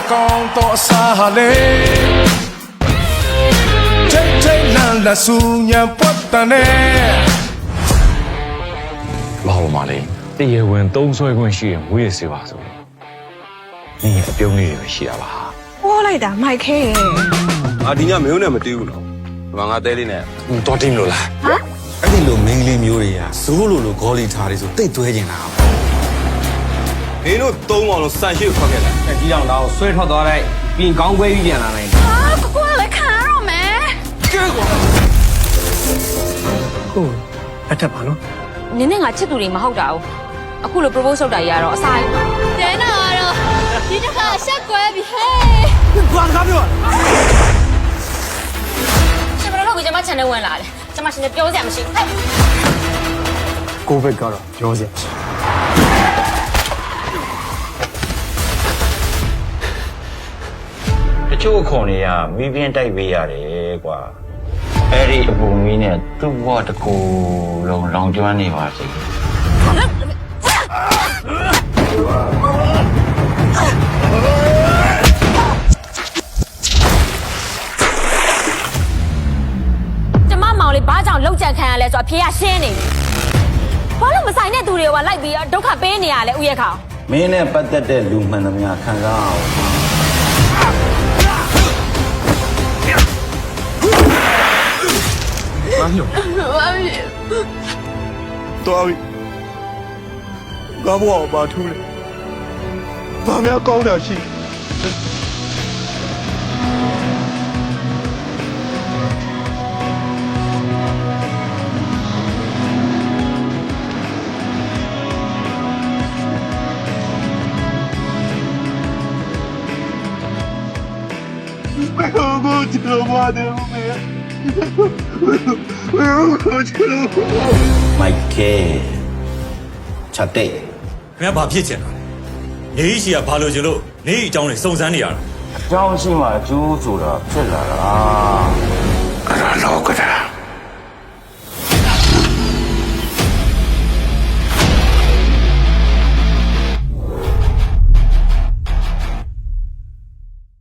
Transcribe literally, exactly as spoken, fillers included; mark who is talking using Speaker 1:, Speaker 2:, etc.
Speaker 1: ကောင်းတော့အစားဟာလေချိတ်ချိတ်လန်လက်ဆူညံပွတ်တန်နဲ့
Speaker 2: ဘာလို့မလဲတရားဝင်သုံးဆွဲခွင့်ရှိရင်ဝေးရစေပါဆိုနင်ရဲ့အပြုံးလေးတွေပဲရှိတာပါ
Speaker 3: ဟောလိုက်တာမိုက်ခဲ
Speaker 4: အာဒီညမင်းနဲ့မတီးဘူးနော်ဒီမှာငါတဲလေးနဲ့
Speaker 2: တော်တင်လို့လား
Speaker 3: ဟမ်
Speaker 5: အဲ့ဒီလိုမင်းကလေးမျိုးတွေကဇိုးလိုလိုဂေါ်လီထားတွေဆိုတိတ်သွဲနေတာ
Speaker 4: မင်းတို့သုံးအောင်လို့စံရှိကိုခေါ်ခဲ့တယ်
Speaker 6: ဒီကြောင်တော့ဆွဲထွက်သွားလိုက်ပြင်ကောင်းခွဲပြီးပြန်လာနိုင်တယ်
Speaker 3: ဟာကိုကလည်းခံရတော့မယ်
Speaker 4: ကဲကွာ
Speaker 6: ဟုတ်အထက်ပါနော်
Speaker 7: နင်းနဲ့ငါချစ်သူတွေမဟုတ်တာဘူးအခုလို propose လုပ်တာကြီးကတော့အစား
Speaker 3: တဲနာတော့ဒီတစ်ခါရှက်ကွဲပြီဟဲ့
Speaker 6: ဘာကားပြော
Speaker 7: ရှင်ဘယ်လိုလုပ်ပြီးကျမ channel ဝင်လာလဲကျမရှင်လည်းပြောစရာမရှိဟဲ့
Speaker 6: ကိုဗစ်ကတော့ပြောစရာမရှိ
Speaker 8: တချို့ခုံတွေကမီးပြင်းတိုက်ပေးရတယ်ကွာအဲ့ဒီအပူမီးနဲ့သူ့ဘဝတစ်ခုလုံးလောင်ကျွမ်းနေပါစေ
Speaker 7: ကျမမောင်လေးဘာကြောင့်လောက်ကြံခံရလဲဆိုတော့အဖေကရှင်းနေပြီဘာလို့မဆိုင်တဲ့သူတွေကလိုက်ပြီးဒုက္ခပေးနေရလဲဥယျာခေါ
Speaker 8: မင်းနဲ့ပတ်သက်တဲ့လူမှန်သမျှခံစားအောင်
Speaker 4: ဘာညို
Speaker 3: ဘာဖြစ်
Speaker 4: တော်ပြီငါဘောဘာထူးလဲဘာများကောင်းတာရှိဘယ်လိုကြည့်လို့မတယ်ဦးမေဘယ်လိုကြည့်လို့
Speaker 8: မိုက်ကဲချက်တဲ့
Speaker 5: ခင်ဗျာဘာဖြစ်ချင်တာလဲနေရှိကဘာလို့ချင်လို့နေအကြောင်းတွေစုံစမ်းနေရတာ
Speaker 8: အကြောင်းရှိမှအကျိုးဆိုတာဖြစ်လာတာ
Speaker 1: အဲ့ဒါလောကတာ